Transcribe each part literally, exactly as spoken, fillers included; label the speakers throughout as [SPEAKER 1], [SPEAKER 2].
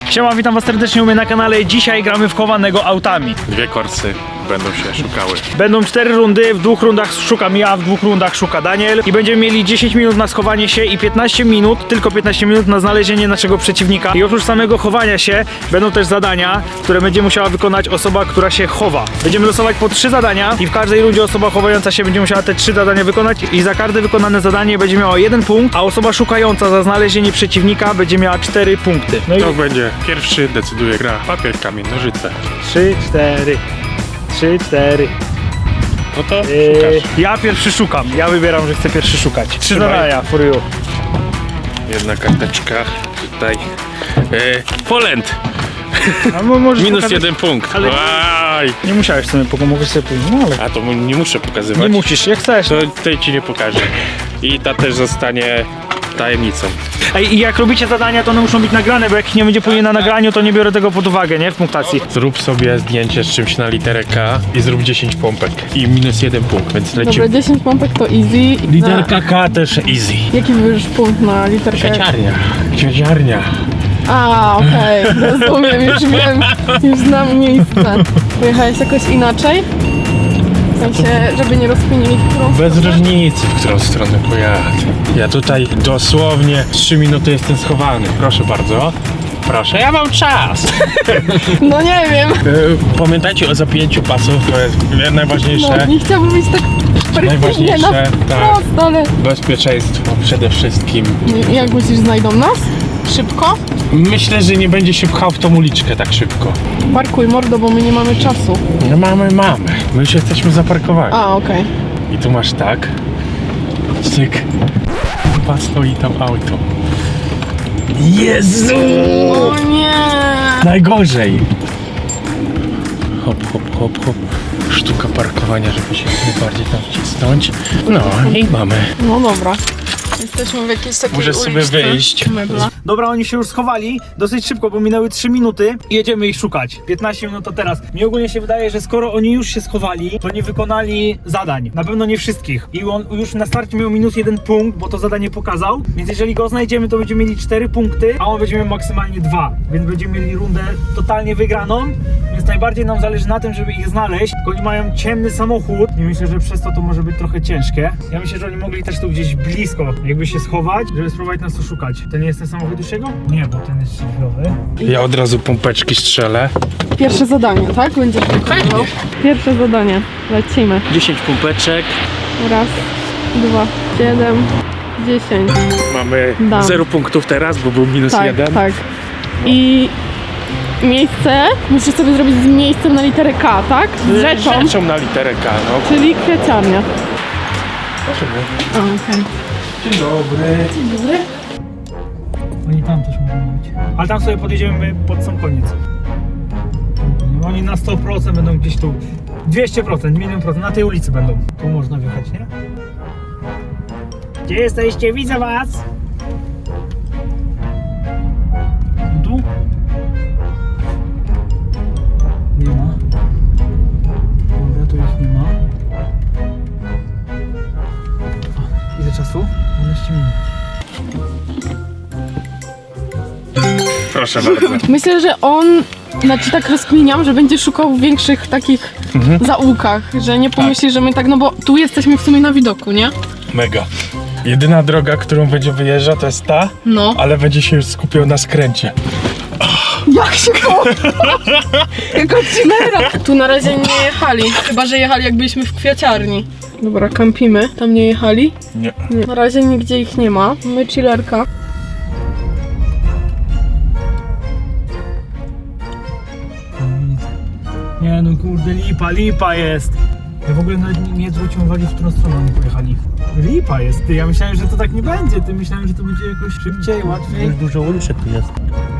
[SPEAKER 1] Siema, witam was serdecznie u mnie na kanale. Dzisiaj gramy w chowanego autami.
[SPEAKER 2] Dwie korsy będą się szukały.
[SPEAKER 1] Będą cztery rundy, w dwóch rundach szukam ja, w dwóch rundach szuka Daniel. I będziemy mieli dziesięć minut na schowanie się i piętnaście minut, tylko piętnaście minut na znalezienie naszego przeciwnika. I oprócz samego chowania się będą też zadania, które będzie musiała wykonać osoba, która się chowa. Będziemy losować po trzy zadania i w każdej rundzie osoba chowająca się będzie musiała te trzy zadania wykonać i za każde wykonane zadanie będzie miała jeden punkt, a osoba szukająca za znalezienie przeciwnika będzie miała cztery punkty. No i
[SPEAKER 2] To będzie pierwszy, decyduje gra papier, kamień, nożyce.
[SPEAKER 1] trzy, cztery. trzy, cztery.
[SPEAKER 2] No to
[SPEAKER 1] Yy,
[SPEAKER 2] szukasz.
[SPEAKER 1] ja pierwszy szukam. Ja wybieram, że chcę pierwszy szukać. Trzy
[SPEAKER 2] Trzymaj.
[SPEAKER 1] zadania, for you.
[SPEAKER 2] Jedna karteczka tutaj. Yy, Poland!
[SPEAKER 1] A mo- możesz
[SPEAKER 2] Minus
[SPEAKER 1] pokazać-
[SPEAKER 2] jeden punkt.
[SPEAKER 1] ale-
[SPEAKER 2] Aj.
[SPEAKER 1] Nie musiałeś sobie pokazać, mogłeś sobie pójść. No ale
[SPEAKER 2] A to mu- nie muszę pokazywać.
[SPEAKER 1] nie musisz, jak chcesz.
[SPEAKER 2] To tej ci nie pokażę. I ta też zostanie tajemnicą.
[SPEAKER 1] Ej, i jak robicie zadania, to one muszą być nagrane, bo jak ich nie będzie później na nagraniu, to nie biorę tego pod uwagę, nie? W punktacji.
[SPEAKER 2] Zrób sobie zdjęcie z czymś na literę K i zrób dziesięć pompek. I minus jeden punkt, więc
[SPEAKER 3] Dobra,
[SPEAKER 2] lecimy.
[SPEAKER 3] dziesięć pompek to easy.
[SPEAKER 2] Literka K też easy.
[SPEAKER 3] Na, jaki wybierzesz punkt na literkę?
[SPEAKER 2] Kwiaciarnia. Kwiaciarnia.
[SPEAKER 3] A, okej, rozumiem, już wiem, już znam miejsce. Pojechałeś jakoś inaczej? W sensie, żeby nie rozkminili w którą
[SPEAKER 2] Bez
[SPEAKER 3] stronę?
[SPEAKER 2] różnicy, w którą stronę pojadę. Ja tutaj dosłownie trzy minuty jestem schowany. Proszę bardzo. Proszę, ja mam czas.
[SPEAKER 3] No nie wiem.
[SPEAKER 2] E, Pamiętajcie o zapięciu pasów, to jest najważniejsze.
[SPEAKER 3] No, nie chciałabym być tak perfekcyjnie na
[SPEAKER 2] Najważniejsze, tak.
[SPEAKER 3] wprost, ale...
[SPEAKER 2] Bezpieczeństwo przede wszystkim.
[SPEAKER 3] Jak myślisz, znajdą nas? Szybko?
[SPEAKER 2] Myślę, że nie będzie się pchał w tą uliczkę tak szybko.
[SPEAKER 3] Parkuj mordo, bo my nie mamy czasu.
[SPEAKER 2] No mamy, mamy. My już jesteśmy zaparkowani.
[SPEAKER 3] A, okej.
[SPEAKER 2] I tu masz tak. Cyk. Chyba stoi tam auto. Jezu!
[SPEAKER 3] O nie!
[SPEAKER 2] Najgorzej. Hop, hop, hop, hop. Sztuka parkowania, żeby się najbardziej tam wcisnąć. No i mamy.
[SPEAKER 3] No dobra. Jesteśmy w jakiejś takiej
[SPEAKER 2] Możesz sobie
[SPEAKER 3] uliczce
[SPEAKER 2] wyjść.
[SPEAKER 3] Mebla.
[SPEAKER 1] Dobra, oni się już schowali dosyć szybko, bo minęły trzy minuty i jedziemy ich szukać. piętnaście minut to teraz. Mi ogólnie się wydaje, że skoro oni już się schowali, to nie wykonali zadań. Na pewno nie wszystkich. I on już na starcie miał minus jeden punkt, bo to zadanie pokazał. Więc jeżeli go znajdziemy, to będziemy mieli cztery punkty, a on będzie miał maksymalnie dwa. Więc będziemy mieli rundę totalnie wygraną. Więc najbardziej nam zależy na tym, żeby ich znaleźć. Tylko oni mają ciemny samochód i myślę, że przez to to może być trochę ciężkie. Ja myślę, że oni mogli też tu gdzieś blisko jakby się schować, żeby spróbować nas tu szukać. To nie jest ten samochód już jego? Nie, bo ten jest szybkowy.
[SPEAKER 2] Ja od razu pompeczki strzelę.
[SPEAKER 3] Pierwsze zadanie, tak? Będziesz wykonywał? Pierwsze zadanie. Lecimy.
[SPEAKER 1] dziesięć pompeczek.
[SPEAKER 3] Raz, dwa, siedem, dziesięć.
[SPEAKER 2] Mamy
[SPEAKER 3] Dam.
[SPEAKER 2] zero punktów teraz, bo był minus
[SPEAKER 3] Tak,
[SPEAKER 2] jeden.
[SPEAKER 3] tak. I miejsce musisz sobie zrobić z miejscem na literę K, tak? Z rzeczą,
[SPEAKER 2] Rzeczą na literę K, no.
[SPEAKER 3] czyli kwiaciarnia. A, okej.
[SPEAKER 2] Dzień dobry.
[SPEAKER 3] Dzień dobry.
[SPEAKER 1] Oni tam też mogą być. Ale tam sobie podjedziemy pod sam koniec. Oni na sto procent będą gdzieś tu. dwieście procent, milion procent. Na tej ulicy będą. Tu można wjechać, nie? Gdzie jesteście? Widzę was! Tu? Nie ma. Dobra, tu ich nie ma. A, ile czasu? dwanaście minut.
[SPEAKER 2] Proszę bardzo.
[SPEAKER 3] Myślę, że on, znaczy tak rozkminiam, że będzie szukał w większych takich zaułkach, że nie pomyśli, że my tak, no bo tu jesteśmy w sumie na widoku, nie?
[SPEAKER 2] Mega. Jedyna droga, którą będzie wyjeżdżał, to jest ta,
[SPEAKER 3] No.
[SPEAKER 2] ale będzie się już skupiał na skręcie.
[SPEAKER 3] Jak się to? Jako chillera. Tu na razie nie jechali, chyba że jechali jak byliśmy w kwiaciarni. Dobra, kampimy. Tam nie jechali?
[SPEAKER 2] Nie.
[SPEAKER 3] Nie. Na razie nigdzie ich nie ma. My chillerka.
[SPEAKER 1] Nie no kurde, lipa, lipa jest. Ja w ogóle nawet nie, nie zwróciłem uwagi, w którą stronę oni pojechali. Lipa jest, ty. Ja myślałem, że to tak nie będzie. Ty myślałem, że to będzie jakoś szybciej, łatwiej.
[SPEAKER 4] Dużo uliczek tu jest.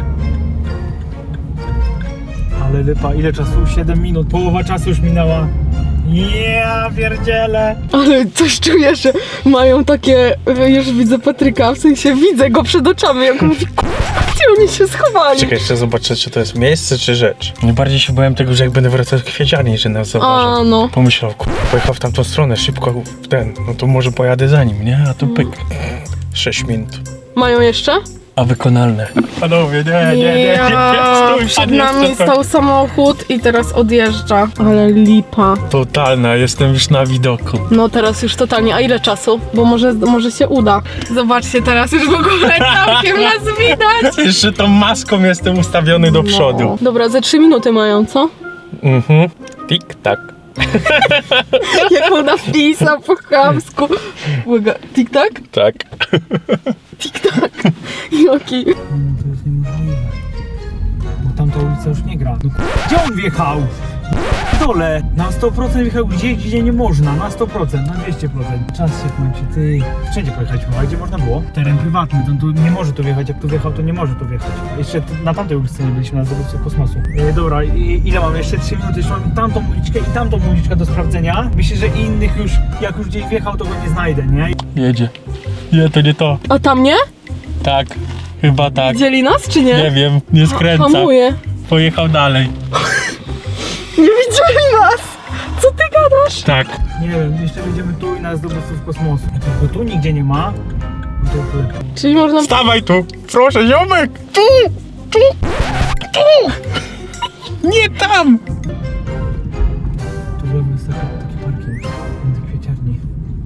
[SPEAKER 1] Ale lipa, ile czasu? siedem minut, połowa czasu już minęła. Ja pierdzielę.
[SPEAKER 3] Ale coś czuję, że mają takie, już widzę Patryka, w sensie widzę go przed oczami, jak mówi, gdzie oni się schowali.
[SPEAKER 2] Czekaj, jeszcze zobaczę, czy to jest miejsce, czy rzecz. Najbardziej się bałem tego, że jak będę wracał z kwieciarni, że nas zauważą.
[SPEAKER 3] A, no.
[SPEAKER 2] Pomyślał, kur... pojechał w tamtą stronę, szybko w ten, no to może pojadę za nim, nie? A tu pyk. sześć minut.
[SPEAKER 3] Mają jeszcze?
[SPEAKER 2] A wykonalne. Panowie, nie, nie, nie, nie,
[SPEAKER 3] Ja Przed nami stał samochód i teraz odjeżdża. Ale lipa.
[SPEAKER 2] Totalna, jestem już na widoku.
[SPEAKER 3] No teraz już totalnie. A ile czasu? Bo może, może się uda. Zobaczcie, teraz już w ogóle całkiem nas widać.
[SPEAKER 2] Jeszcze tą maską jestem ustawiony do przodu.
[SPEAKER 3] No. Dobra, ze trzy minuty mają, co?
[SPEAKER 2] Mhm. Tik-tak.
[SPEAKER 3] Jak ona wpisał po chamsku. Uwaga, tik-tak?
[SPEAKER 2] Tak.
[SPEAKER 3] Tik-tak. Joki.
[SPEAKER 1] No to jest niemożliwe. Bo tamta ulica już nie gra. No, gdzie on wjechał? Dole! Na sto procent wjechał gdzie, gdzie nie można. Na sto procent, na dwieście procent. Czas się kończy, ty. Wszędzie pojechaliśmy, a gdzie można było? Teren prywatny, to tu nie może tu wjechać. Jak tu wjechał, to nie może tu wjechać. Jeszcze t- na tamtej ulicy nie byliśmy, na zdobywcy kosmosu. E, dobra, i, ile mamy? Jeszcze trzy minuty. Jeszcze mamy tamtą uliczkę i tamtą uliczkę do sprawdzenia. Myślę, że innych już, jak już gdzieś wjechał, to go nie znajdę, nie?
[SPEAKER 2] Jedzie. Nie, to nie to.
[SPEAKER 3] A tam nie?
[SPEAKER 2] Tak. Chyba tak.
[SPEAKER 3] Dzieli nas, czy nie?
[SPEAKER 2] Nie wiem, nie skręca.
[SPEAKER 3] Hamuje.
[SPEAKER 2] Pojechał dalej.
[SPEAKER 3] Nie widzieli nas! Co ty gadasz?
[SPEAKER 2] Tak.
[SPEAKER 1] Nie wiem, jeszcze będziemy tu i na zdobywców kosmosu. Jak go tu nigdzie nie ma, no to już lepiej.
[SPEAKER 3] Czyli można...
[SPEAKER 2] Stawaj tu! Proszę, ziomek! Tu! Tu! Tu! Nie tam!
[SPEAKER 1] Tu w lewo jest taki, taki parking między kwieciarni.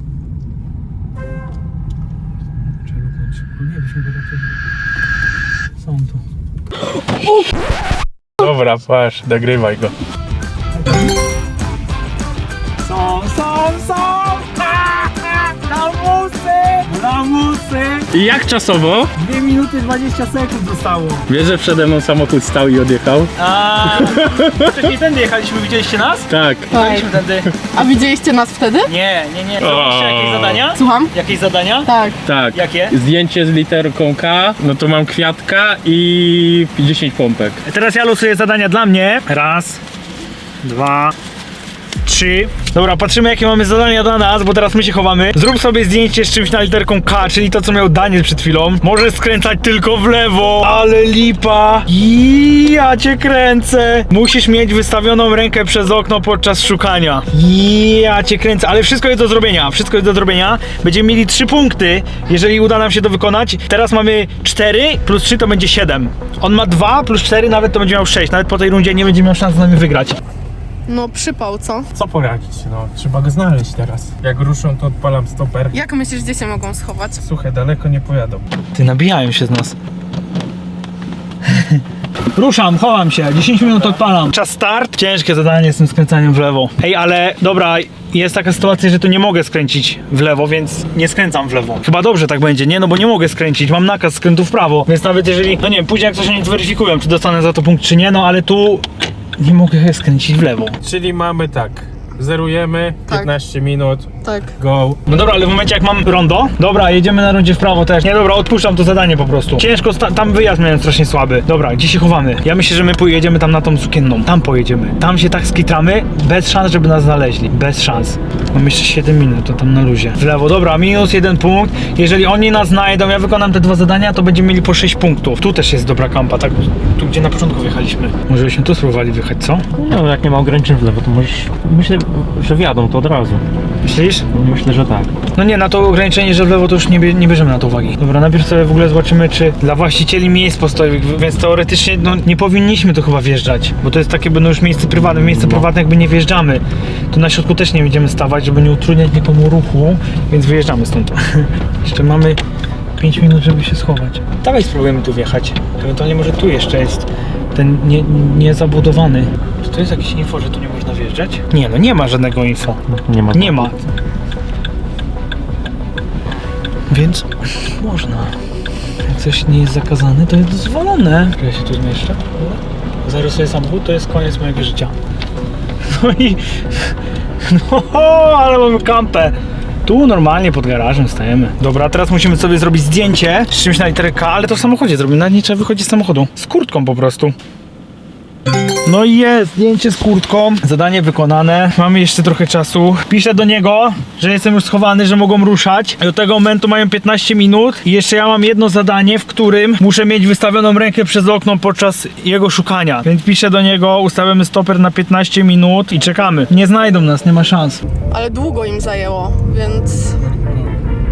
[SPEAKER 1] Trzeba luknąć szybko. Nie, byśmy go raczej... Są tu.
[SPEAKER 2] Dobra, patrz, nagrywaj go.
[SPEAKER 1] Są, są, są! Lamusy! Lamusy!
[SPEAKER 2] I jak czasowo?
[SPEAKER 1] dwie minuty dwadzieścia sekund zostało.
[SPEAKER 2] Wiesz, że przede mną samochód stał i odjechał?
[SPEAKER 1] A wcześniej tędy jechaliśmy, widzieliście nas?
[SPEAKER 2] Tak.
[SPEAKER 1] Jechaliśmy tędy.
[SPEAKER 3] A widzieliście nas wtedy?
[SPEAKER 1] Nie, nie, nie. Zrobiliście jakieś zadania?
[SPEAKER 3] Słucham?
[SPEAKER 1] Jakieś zadania?
[SPEAKER 3] Tak.
[SPEAKER 2] Tak.
[SPEAKER 1] Jakie?
[SPEAKER 2] Zdjęcie z literką K, no to mam kwiatka i dziesięć pompek.
[SPEAKER 1] Teraz ja losuję zadania dla mnie. Raz, dwa, trzy. Dobra, patrzymy jakie mamy zadania dla nas, bo teraz my się chowamy. Zrób sobie zdjęcie z czymś na literką K, czyli to co miał Daniel przed chwilą. Możesz skręcać tylko w lewo. Ale lipa. I ja cię kręcę. Musisz mieć wystawioną rękę przez okno podczas szukania. I ja cię kręcę, ale wszystko jest do zrobienia. Wszystko jest do zrobienia. Będziemy mieli trzy punkty, jeżeli uda nam się to wykonać. Teraz mamy cztery plus trzy to będzie siedem. On ma dwa plus cztery, nawet to będzie miał sześć. Nawet po tej rundzie nie będzie miał szans z nami wygrać.
[SPEAKER 3] No przypał, co?
[SPEAKER 2] Co poradzić? No, trzeba go znaleźć teraz. Jak ruszą, to odpalam stoper.
[SPEAKER 3] Jak myślisz, gdzie się mogą schować?
[SPEAKER 2] Słuchaj, daleko nie pojadą.
[SPEAKER 1] Ty, nabijają się z nas. Ruszam, chowam się, dziesięć minut odpalam. Czas start. Ciężkie zadanie z tym skręcaniem w lewo. Ej, ale dobra, jest taka sytuacja, że tu nie mogę skręcić w lewo, więc nie skręcam w lewo. Chyba dobrze tak będzie, nie? No bo nie mogę skręcić, mam nakaz skrętu w prawo. Więc nawet jeżeli, no nie wiem, później jak coś nie zweryfikują, czy dostanę za to punkt, czy nie, no ale tu nie mogę skręcić w lewo.
[SPEAKER 2] Czyli mamy tak. Zerujemy,
[SPEAKER 3] Tak.
[SPEAKER 2] piętnaście minut,
[SPEAKER 3] Tak.
[SPEAKER 2] go.
[SPEAKER 1] No dobra, ale w momencie jak mam rondo, dobra, jedziemy na rondzie w prawo też. Nie, dobra, odpuszczam to zadanie po prostu. Ciężko, sta- tam wyjazd miałem strasznie słaby. Dobra, gdzie się chowamy? Ja myślę, że my pojedziemy tam na tą sukienną. Tam pojedziemy. Tam się tak skitramy, bez szans, żeby nas znaleźli. Bez szans. Mam jeszcze siedem minut, to tam na luzie. W lewo, dobra, minus jeden punkt. Jeżeli oni nas znajdą, ja wykonam te dwa zadania, to będziemy mieli po sześć punktów. Tu też jest dobra kampa, tak? Tu, gdzie na początku wjechaliśmy. Może byśmy tu spróbowali wyjechać, co?
[SPEAKER 4] No, jak nie ma ograniczeń w lewo, to możesz... Myślę, że wjadą to od razu.
[SPEAKER 1] Myślisz?
[SPEAKER 4] Myślę, że tak.
[SPEAKER 1] No nie, na to ograniczenie, że w lewo to już nie, bie, nie bierzemy na to uwagi. Dobra, najpierw sobie w ogóle zobaczymy, czy dla właścicieli miejsc postojowych, więc teoretycznie no, nie powinniśmy tu chyba wjeżdżać, bo to jest takie będą już miejsce prywatne, w miejsce prywatne jakby nie wjeżdżamy. Tu na środku też nie będziemy stawać, żeby nie utrudniać nikomu ruchu, więc wyjeżdżamy stąd. Jeszcze mamy pięć minut, żeby się schować. Dawaj spróbujemy tu wjechać. Ewentualnie może tu jeszcze jest ten nie, niezabudowany. Czy to jest jakieś info, że tu nie można wjeżdżać? Nie, no nie ma żadnego info.
[SPEAKER 4] Nie ma.
[SPEAKER 1] Nie ma. Więc można. Jak coś nie jest zakazane, to jest dozwolone. Czy ja się tu zmieszczę? Zarysuję samochód, to jest koniec mojego życia. No i... No, ale mamy kampę. Tu normalnie pod garażem stajemy. Dobra, teraz musimy sobie zrobić zdjęcie z czymś na literę K, ale to w samochodzie zrobimy. Nawet nie trzeba wychodzić z samochodu. Z kurtką po prostu. No i jest, zdjęcie z kurtką, zadanie wykonane, mamy jeszcze trochę czasu. Piszę do niego, że jestem już schowany, że mogą ruszać. Do tego momentu mają piętnaście minut i jeszcze ja mam jedno zadanie, w którym muszę mieć wystawioną rękę przez okno podczas jego szukania. Więc piszę do niego, ustawiamy stoper na piętnaście minut i czekamy. Nie znajdą nas, nie ma szans.
[SPEAKER 3] Ale długo im zajęło, więc...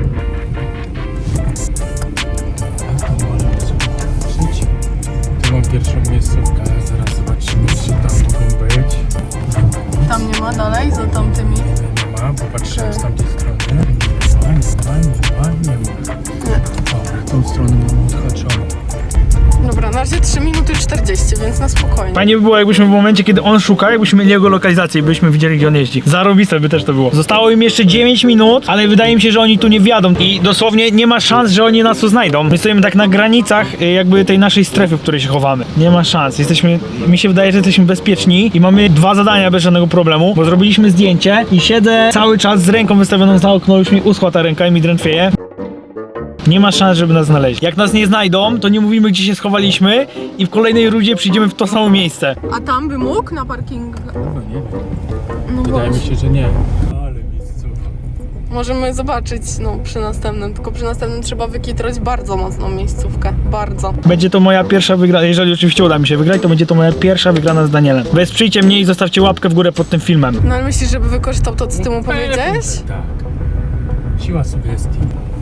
[SPEAKER 2] Tu mam pierwszą miejscówkę. Zaraz zobaczymy, czy tam mogą być.
[SPEAKER 3] Tam nie ma dalej, za tamtymi.
[SPEAKER 2] Nie ma, bo patrzyłem z tamtej strony. Nie ma, nie ma, nie ma, nie ma. Dobra, tą stronę mamy odhaczoną.
[SPEAKER 3] Dobra, na razie trzy minuty czterdzieści, więc na spokojnie.
[SPEAKER 1] Fajnie by było, jakbyśmy w momencie, kiedy on szuka, jakbyśmy mieli jego lokalizację i byśmy widzieli, gdzie on jeździ. Zarobiste by też to było. Zostało im jeszcze dziewięć minut, ale wydaje mi się, że oni tu nie wjadą i dosłownie nie ma szans, że oni nas tu znajdą. My stoimy tak na granicach y, jakby tej naszej strefy, w której się chowamy. Nie ma szans. Jesteśmy, mi się wydaje, że jesteśmy bezpieczni i mamy dwa zadania bez żadnego problemu, bo zrobiliśmy zdjęcie i siedzę cały czas z ręką wystawioną za okno, już mi uschła ta ręka i mi drętwieje. Nie ma szans, żeby nas znaleźli. Jak nas nie znajdą, to nie mówimy, gdzie się schowaliśmy i w kolejnej rundzie przyjdziemy w to samo miejsce.
[SPEAKER 3] A tam by mógł na parkingu?
[SPEAKER 2] No nie wiem.
[SPEAKER 3] No
[SPEAKER 2] Wydaje mi
[SPEAKER 3] właśnie.
[SPEAKER 2] się, że nie. Ale miejscówka.
[SPEAKER 3] Możemy zobaczyć, no przy następnym, tylko przy następnym trzeba wykitrać bardzo mocną miejscówkę. Bardzo.
[SPEAKER 1] Będzie to moja pierwsza wygrana, jeżeli oczywiście uda mi się wygrać, to będzie to moja pierwsza wygrana z Danielem. Wesprzyjcie mnie i zostawcie łapkę w górę pod tym filmem.
[SPEAKER 3] No ale myślisz, żeby wykorzystał to, co ty mu powiedziałeś?
[SPEAKER 2] Tak. Siła sugestii.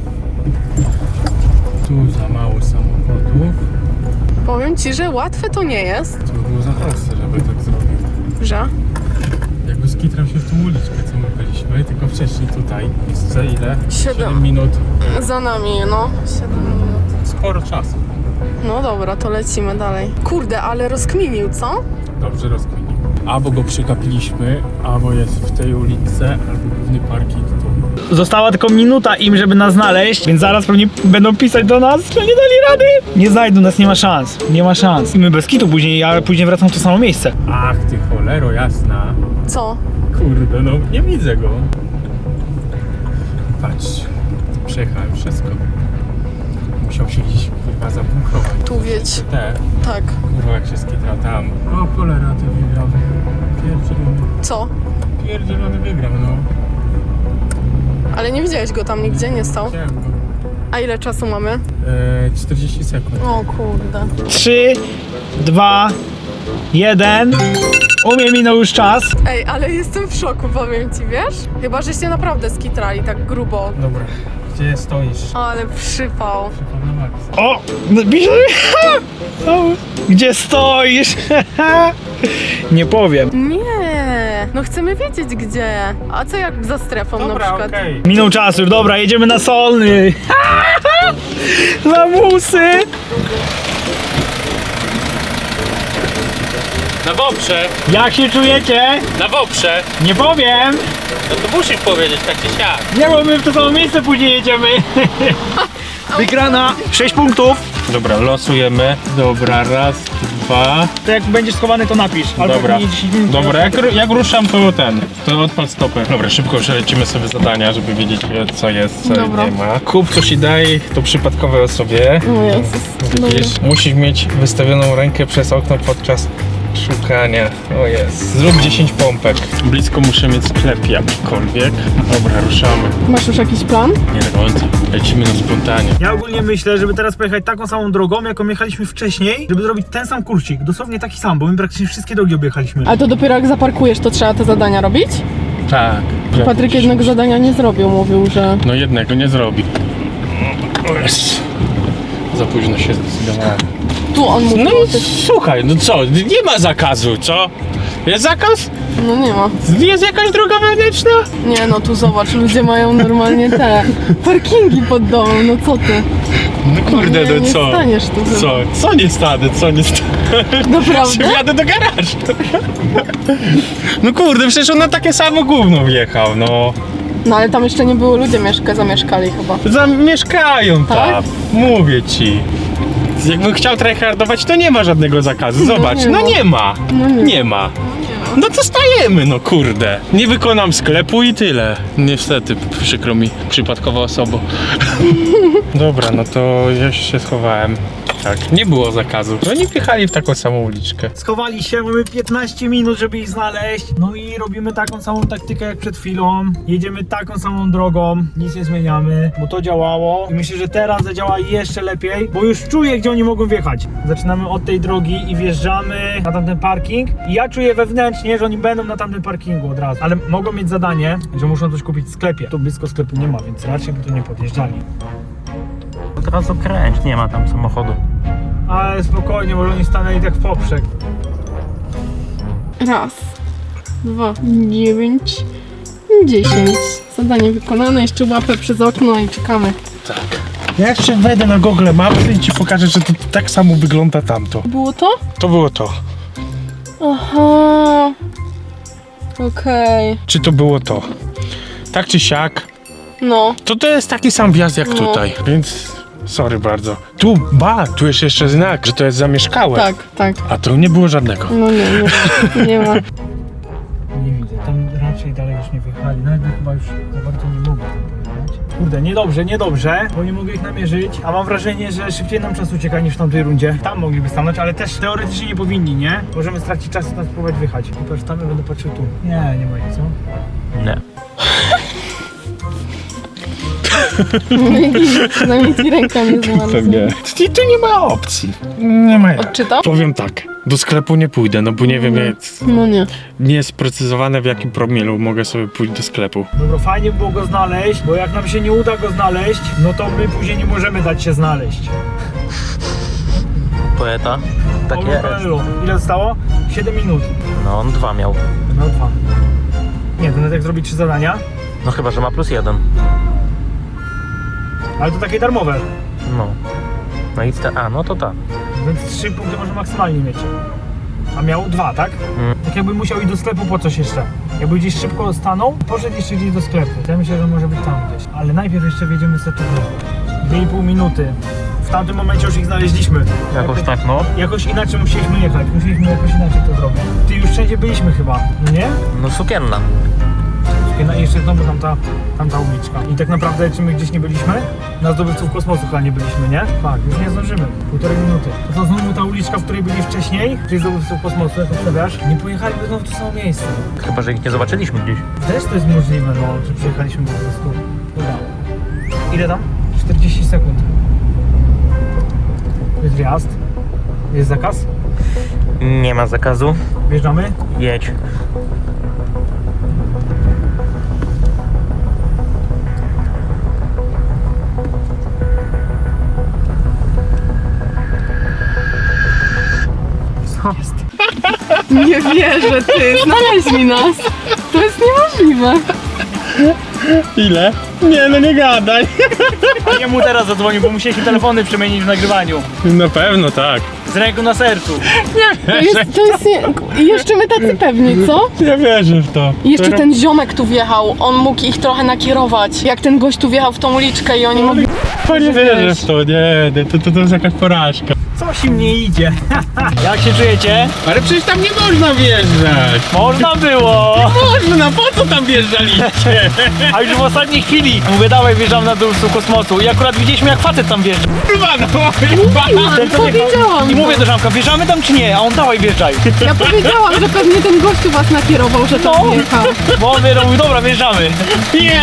[SPEAKER 2] Tu za mało samochodów.
[SPEAKER 3] Powiem ci, że łatwe to nie jest.
[SPEAKER 2] To by było za proste, żeby tak zrobił.
[SPEAKER 3] Że?
[SPEAKER 2] Jakby skitrał się w tą uliczkę, co my byliśmy, tylko wcześniej tutaj. Jest za ile?
[SPEAKER 3] Siedem.
[SPEAKER 2] siedem minut.
[SPEAKER 3] Za nami, no. siedem minut.
[SPEAKER 2] Sporo czasu.
[SPEAKER 3] No dobra, to lecimy dalej. Kurde, ale rozkminił, co?
[SPEAKER 2] Dobrze rozkminił. Albo go przegapiliśmy, albo jest w tej ulicy, albo główny parking tu.
[SPEAKER 1] Została tylko minuta im, żeby nas znaleźć, więc zaraz pewnie będą pisać do nas, że nie dali rady. Nie znajdą nas, nie ma szans, nie ma szans. I my bez kitu później, ja później wracam w to samo miejsce.
[SPEAKER 2] Ach ty cholero jasna.
[SPEAKER 3] Co?
[SPEAKER 2] Kurde, no nie widzę go. Patrz, przejechałem wszystko. Musiał się gdzieś kurwa zabunkrować.
[SPEAKER 3] Tu wiedź.
[SPEAKER 2] Te,
[SPEAKER 3] Tak.
[SPEAKER 2] kurwa jak się skitrał tam. O cholera, ty wygrał. Pierdzielony,
[SPEAKER 3] Co?
[SPEAKER 2] pierdzielony wygrał, no.
[SPEAKER 3] Ale nie widziałeś go tam nigdzie, nie stał?
[SPEAKER 2] Chciałem go.
[SPEAKER 3] A ile czasu mamy?
[SPEAKER 2] Eee, czterdzieści sekund.
[SPEAKER 3] O kurde.
[SPEAKER 1] trzy, dwa, jeden. U mnie minął już czas.
[SPEAKER 3] Ej, ale jestem w szoku, powiem ci, wiesz? Chyba, żeście naprawdę skitrali tak grubo.
[SPEAKER 2] Dobra, gdzie stoisz?
[SPEAKER 3] Ale przypał.
[SPEAKER 2] Przypomnę na maksa.
[SPEAKER 1] O! Pisze. O, gdzie stoisz? Nie powiem.
[SPEAKER 3] Nie, no chcemy wiedzieć gdzie. A co jak za strefą na
[SPEAKER 2] Dobra,
[SPEAKER 3] przykład?
[SPEAKER 2] okej.
[SPEAKER 1] Minął czas już, dobra, jedziemy na Solny. Lamusy.
[SPEAKER 2] Na Woprze,
[SPEAKER 1] Jak się czujecie?
[SPEAKER 2] na Woprze.
[SPEAKER 1] Nie powiem.
[SPEAKER 2] No to musisz powiedzieć tak czy siak.
[SPEAKER 1] Nie, bo my w to samo miejsce później jedziemy. Wygrana. sześć punktów.
[SPEAKER 2] Dobra, losujemy. Dobra, raz, dwa.
[SPEAKER 1] To jak będziesz schowany, to napisz. Albo
[SPEAKER 2] Dobra,
[SPEAKER 1] nie dziesięć minut.
[SPEAKER 2] dobra, jak, ru- jak ruszam to ten, to odpal stopę. Dobra, szybko przelecimy sobie zadania, żeby wiedzieć co jest, co
[SPEAKER 3] Dobra.
[SPEAKER 2] nie ma. Kup coś i daj to przypadkowej osobie.
[SPEAKER 3] O Jezus.
[SPEAKER 2] Widzisz, musisz mieć wystawioną rękę przez okno podczas szukania. O jest. Zrób dziesięć pompek. Blisko muszę mieć sklep jakikolwiek. Dobra, ruszamy.
[SPEAKER 3] Masz już jakiś plan?
[SPEAKER 2] Nie do końca. Lecimy na spontanie.
[SPEAKER 1] Ja ogólnie myślę, żeby teraz pojechać taką samą drogą, jaką jechaliśmy wcześniej, żeby zrobić ten sam kurcik, dosłownie taki sam, bo my praktycznie wszystkie drogi objechaliśmy.
[SPEAKER 3] Ale to dopiero jak zaparkujesz, to trzeba te zadania robić?
[SPEAKER 2] Tak.
[SPEAKER 3] Patryk jednego zadania nie zrobił, mówił, że...
[SPEAKER 2] No jednego nie zrobi. O jest. Za późno się zdecydowałem.
[SPEAKER 3] Tu on mówił
[SPEAKER 2] No
[SPEAKER 3] o
[SPEAKER 2] i
[SPEAKER 3] tych...
[SPEAKER 2] słuchaj, no co? Nie ma zakazu, co? Jest zakaz?
[SPEAKER 3] No nie ma.
[SPEAKER 2] Jest jakaś droga wewnętrzna?
[SPEAKER 3] Nie no, tu zobacz, ludzie mają normalnie te parkingi pod domem, no co ty?
[SPEAKER 2] No kurde,
[SPEAKER 3] nie,
[SPEAKER 2] no
[SPEAKER 3] nie
[SPEAKER 2] co?
[SPEAKER 3] staniesz tu.
[SPEAKER 2] Co? Co nie stanę, co nie stanę?
[SPEAKER 3] Naprawdę?
[SPEAKER 2] Jadę do garażu. No kurde, przecież on na takie samo gówno wjechał, no.
[SPEAKER 3] No ale tam jeszcze nie było, ludzie mieszka, zamieszkali chyba.
[SPEAKER 2] Zamieszkają tam,
[SPEAKER 3] Tak?
[SPEAKER 2] mówię ci. Jakbym chciał tryhardować, to nie ma żadnego zakazu. Zobacz,
[SPEAKER 3] nie
[SPEAKER 2] no
[SPEAKER 3] ma.
[SPEAKER 2] nie ma.
[SPEAKER 3] No nie.
[SPEAKER 2] Nie ma. No to stajemy, no kurde. Nie wykonam sklepu i tyle. Niestety, przykro mi, przypadkowa osoba. Dobra, no to ja się schowałem. Tak, nie było zakazu. Oni wjechali w taką samą uliczkę.
[SPEAKER 1] Schowali się, mamy piętnaście minut, żeby ich znaleźć. No i robimy taką samą taktykę jak przed chwilą. Jedziemy taką samą drogą, nic nie zmieniamy, bo to działało. I myślę, że teraz zadziała jeszcze lepiej, bo już czuję, gdzie oni mogą wjechać. Zaczynamy od tej drogi i wjeżdżamy na tamten parking. I ja czuję wewnętrznie, że oni będą na tamtym parkingu od razu. Ale mogą mieć zadanie, że muszą coś kupić w sklepie. Tu blisko sklepu nie ma, więc raczej by tu nie podjeżdżali.
[SPEAKER 4] Od razu kręć, nie ma tam samochodu.
[SPEAKER 1] Ale spokojnie, może oni stanęli tak w poprzek.
[SPEAKER 3] Raz, dwa, dziewięć, dziesięć. Zadanie wykonane, jeszcze łapę przez okno i czekamy.
[SPEAKER 2] Tak. Ja jeszcze wejdę na Google Maps i ci pokażę, że to tak samo wygląda tamto.
[SPEAKER 3] Było to?
[SPEAKER 2] To było to.
[SPEAKER 3] Aha. Okej.
[SPEAKER 2] Czy to było to? Tak czy siak,
[SPEAKER 3] No.
[SPEAKER 2] to to jest taki sam wjazd jak
[SPEAKER 3] No.
[SPEAKER 2] tutaj, więc sorry bardzo. Tu, ba, tu jest jeszcze znak, że to jest zamieszkałe.
[SPEAKER 3] Tak, tak.
[SPEAKER 2] A tu nie było żadnego.
[SPEAKER 3] No nie, nie, nie ma.
[SPEAKER 1] Nie widzę, tam raczej dalej już nie wyjechali. Nawet chyba już za bardzo nie mogą tam pojechać. Kurde, niedobrze, niedobrze, bo nie mogę ich namierzyć, a mam wrażenie, że szybciej nam czas ucieka niż w tamtej rundzie. Tam mogliby stanąć, ale też teoretycznie nie powinni, nie? Możemy stracić czas i tam spróbować wyjechać. I patrz, tam ja będę patrzył tu. Nie, nie ma ich, co?
[SPEAKER 4] Nie.
[SPEAKER 3] Przynajmniej ci ręka nie zmarła.
[SPEAKER 2] I tu nie ma opcji. Nie ma jak.
[SPEAKER 3] Odczytał?
[SPEAKER 2] Powiem tak, do sklepu nie pójdę, no bo nie wiem, jak,
[SPEAKER 3] No nie.
[SPEAKER 2] nie jest sprecyzowane w jakim promilu mogę sobie pójść do sklepu.
[SPEAKER 1] Dobra, fajnie było go znaleźć, bo jak nam się nie uda go znaleźć, no to my później nie możemy dać się znaleźć.
[SPEAKER 4] Poeta. Tak
[SPEAKER 1] Paulo
[SPEAKER 4] jest.
[SPEAKER 1] Coelho. Ile zostało? siedem minut.
[SPEAKER 4] No on dwa miał.
[SPEAKER 1] No dwa. Nie, to nawet jak zrobić trzy zadania,
[SPEAKER 4] No chyba, że ma plus jeden.
[SPEAKER 1] ale to takie darmowe.
[SPEAKER 4] No. No i te, a no to tak.
[SPEAKER 1] Więc trzy punkty może maksymalnie mieć. A miał dwa, tak?
[SPEAKER 4] Mm.
[SPEAKER 1] Tak jakby musiał iść do sklepu po coś jeszcze. Jakby gdzieś szybko stanął, poszedł jeszcze gdzieś do sklepu. Ja myślę, że może być tam gdzieś. Ale najpierw jeszcze wjedziemy sobie tu. Dwie i pół minuty. W tamtym momencie już ich znaleźliśmy.
[SPEAKER 4] Jakoś tak, no.
[SPEAKER 1] Jakoś inaczej musieliśmy jechać. Musieliśmy jakoś inaczej to zrobić. Ty już wszędzie byliśmy chyba, no nie?
[SPEAKER 4] No sukienna.
[SPEAKER 1] No i jeszcze znowu tamta, tamta uliczka. I tak naprawdę, czy my gdzieś nie byliśmy? Na zdobywców kosmosu chyba nie byliśmy, nie? Tak, już nie zdążymy. Półtorej minuty. To, to znowu ta uliczka, w której byli wcześniej, czyli zdobywców kosmosu, jak obstawiasz? Nie pojechaliby znowu w to samo miejsce.
[SPEAKER 4] Chyba, że ich nie zobaczyliśmy gdzieś.
[SPEAKER 1] Też to jest możliwe, no, że przyjechaliśmy po prostu. Dobra. Ile tam? czterdzieści sekund. Jest wjazd. Jest zakaz.
[SPEAKER 4] Nie ma zakazu.
[SPEAKER 1] Wjeżdżamy.
[SPEAKER 4] Jedź. Co?
[SPEAKER 3] Nie wierzę, ty. Znaleźli nas. To jest niemożliwe.
[SPEAKER 2] Ile? Nie, no nie gadaj.
[SPEAKER 1] A nie mu teraz zadzwonił, bo musieliśmy telefony przemienić w nagrywaniu.
[SPEAKER 2] Na pewno tak.
[SPEAKER 1] Z ręką na sercu.
[SPEAKER 3] To jest, to jest nie... I jeszcze my tacy pewni, co?
[SPEAKER 2] Ja wierzę w to.
[SPEAKER 3] I jeszcze ten ziomek tu wjechał, on mógł ich trochę nakierować. Jak ten gość tu wjechał w tą uliczkę i oni mogli...
[SPEAKER 2] Nie wierzę w to, nie, nie to, to, to jest jakaś porażka.
[SPEAKER 1] Coś im nie idzie. Jak się czujecie?
[SPEAKER 2] Ale przecież tam nie można wjeżdżać.
[SPEAKER 1] Można było.
[SPEAKER 2] Można, po co tam wjeżdżaliście?
[SPEAKER 1] A już w ostatniej chwili mówię, dawaj, wjeżdżam na dół z kosmosu. I akurat widzieliśmy, jak facet tam wjeżdża.
[SPEAKER 2] Kurwa, no,
[SPEAKER 1] Ten, co wjechał.
[SPEAKER 3] Powiedziałam
[SPEAKER 1] I
[SPEAKER 3] to.
[SPEAKER 1] mówię do Żamka, wjeżdżamy tam czy nie? A on, dawaj, wjeżdżaj.
[SPEAKER 3] Ja powiedziałam, że pewnie ten gościu was nakierował, że tam
[SPEAKER 1] No.
[SPEAKER 3] wjechał.
[SPEAKER 1] Bo on mówił, dobra, wjeżdżamy.
[SPEAKER 2] nie!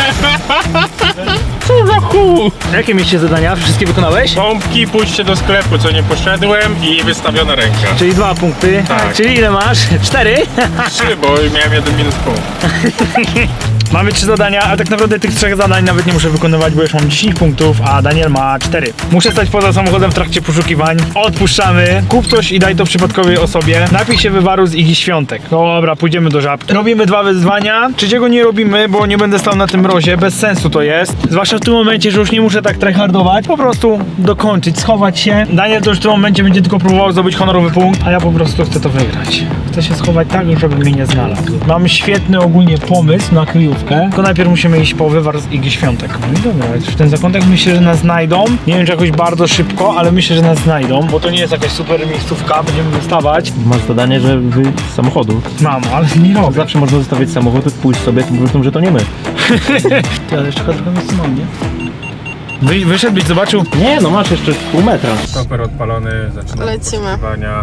[SPEAKER 2] Co za chuj?
[SPEAKER 1] Jakie mieście zadania? Wszystkie wykonałeś?
[SPEAKER 2] Pompki, pójście do sklepu, co nie poszedłem i wystawiona ręka.
[SPEAKER 1] Czyli dwa punkty.
[SPEAKER 2] Tak.
[SPEAKER 1] Czyli ile masz? Cztery?
[SPEAKER 2] Trzy, bo miałem jeden minus punkt.
[SPEAKER 1] Mamy trzy zadania, a tak naprawdę tych trzech zadań nawet nie muszę wykonywać, bo już mam dziesięć punktów, a Daniel ma cztery. Muszę stać poza samochodem w trakcie poszukiwań. Odpuszczamy. Kup coś i daj to przypadkowej osobie. Napij się wywaru z Igi Świątek. Dobra, pójdziemy do Żabki. Robimy dwa wyzwania. Trzeciego nie robimy, bo nie będę stał na tym mrozie. Bez sensu to jest. Zwłaszcza w tym momencie, że już nie muszę tak tryhardować. Po prostu dokończyć, schować się. Daniel to już w tym momencie będzie tylko próbował zdobyć honorowy punkt, a ja po prostu chcę to wygrać. Chcę się schować tak, żeby mnie nie znalazł. Mam świetny ogólnie pomysł na kryjówkę. Tylko najpierw musimy iść po wywar z Igi Świątek. No i dobra, w ten zakątek myślę, że nas znajdą. Nie wiem, czy jakoś bardzo szybko, ale myślę, że nas znajdą, bo to nie jest jakaś super miejscówka. Będziemy wystawać.
[SPEAKER 4] Masz zadanie, że wy z samochodu.
[SPEAKER 1] Mam, ale nie robię.
[SPEAKER 4] Zawsze można zostawić samochód, pójść sobie, to mówią, że to nie my.
[SPEAKER 1] Ale jeszcze trochę miejsca mam, nie? Wy, wyszedł, byś zobaczył.
[SPEAKER 4] Nie, no masz jeszcze pół metra.
[SPEAKER 2] Stoper odpalony, zaczynamy
[SPEAKER 3] Lecimy.
[SPEAKER 2] poszukiwania.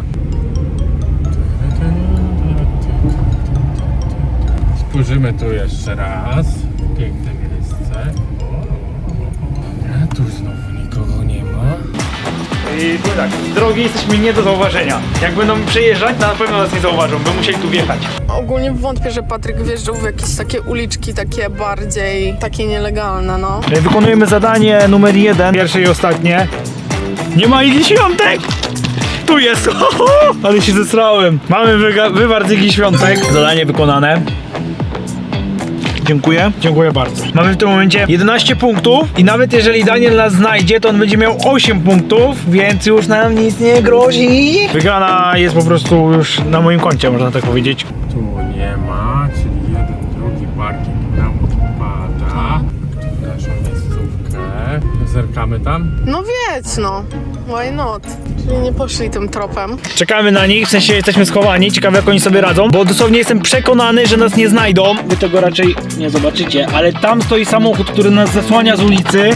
[SPEAKER 2] Spojrzymy tu jeszcze raz. Piękne miejsce. A tu znowu nikogo nie ma.
[SPEAKER 1] I tu tak, z drogi jesteśmy nie do zauważenia. Jak będą przejeżdżać, to na pewno nas nie zauważą, by musieli tu wjechać.
[SPEAKER 3] Ogólnie wątpię, że Patryk wjeżdżał w jakieś takie uliczki, takie bardziej, takie nielegalne, no.
[SPEAKER 1] Wykonujemy zadanie numer jeden, pierwsze i ostatnie. Nie ma Igi Świątek! Tu jest! Ale się zesrałem. Mamy wyga- wywar z Igi Świątek. Zadanie wykonane. Dziękuję, dziękuję bardzo. Mamy w tym momencie jedenaście punktów i nawet jeżeli Daniel nas znajdzie, to on będzie miał osiem punktów, więc już nam nic nie grozi. Wygrana jest po prostu już na moim koncie, można tak powiedzieć.
[SPEAKER 2] Tu nie ma, czyli jeden, drugi parking nam odpada. Tu naszą miejscówkę. Zerkamy tam.
[SPEAKER 3] No wiedz, no. Why not? Czyli nie poszli tym tropem.
[SPEAKER 1] Czekamy na nich, w sensie jesteśmy schowani, ciekawe jak oni sobie radzą, bo dosłownie jestem przekonany, że nas nie znajdą. Wy tego raczej nie zobaczycie, ale tam stoi samochód, który nas zasłania z ulicy.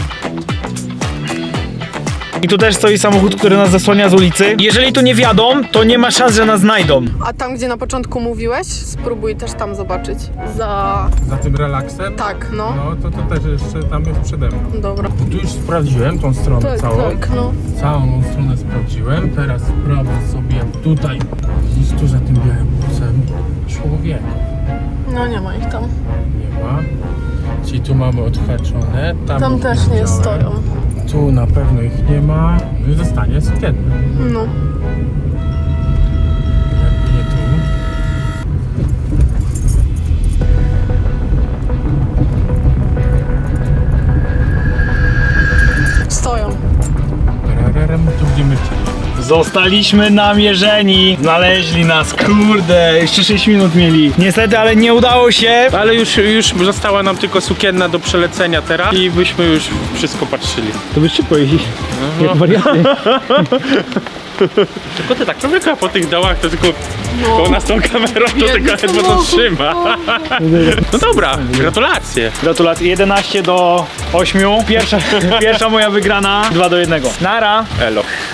[SPEAKER 1] I tu też stoi samochód, który nas zasłania z ulicy. Jeżeli tu nie wjadą, to nie ma szans, że nas znajdą.
[SPEAKER 3] A tam, gdzie na początku mówiłeś, spróbuj też tam zobaczyć. Za...
[SPEAKER 2] Za tym relaksem?
[SPEAKER 3] Tak, no.
[SPEAKER 2] No to to też jeszcze tam jest przede mną.
[SPEAKER 3] Dobra.
[SPEAKER 2] Tu już sprawdziłem tą stronę
[SPEAKER 3] Tak,
[SPEAKER 2] całą.
[SPEAKER 3] tak, no.
[SPEAKER 2] Całą stronę sprawdziłem. Teraz sprawdzę sobie tutaj, gdzieś tu za tym białym busem. Człowiek.
[SPEAKER 3] No nie ma ich tam.
[SPEAKER 2] Nie ma. Czyli tu mamy odhaczone. Tam,
[SPEAKER 3] Tam
[SPEAKER 2] ich
[SPEAKER 3] też nie
[SPEAKER 2] widziałem.
[SPEAKER 3] stoją.
[SPEAKER 2] Tu na pewno ich nie ma. No i zostanie sukienny.
[SPEAKER 3] No.
[SPEAKER 2] Jak nie tu.
[SPEAKER 3] Stoją.
[SPEAKER 2] Rararem, tu gdzie my chcieliśmy.
[SPEAKER 1] Zostaliśmy namierzeni. Znaleźli nas, kurde, jeszcze sześć minut mieli. Niestety, ale nie udało się.
[SPEAKER 2] Ale już, już została nam tylko sukienna do przelecenia teraz i byśmy już wszystko patrzyli.
[SPEAKER 1] To by szybko jeździ. Jak wariaty.
[SPEAKER 2] Tylko ty tak człowieka po tych dołach to tylko
[SPEAKER 3] No.
[SPEAKER 2] po nas tą kamerą to
[SPEAKER 3] Biedny
[SPEAKER 2] tylko ledwo to
[SPEAKER 3] samochód.
[SPEAKER 2] trzyma. No dobra, gratulacje.
[SPEAKER 1] Gratulacje, jedenaście do ośmiu. Pierwsza, pierwsza moja wygrana, dwa do jednego. Nara.
[SPEAKER 2] Elo.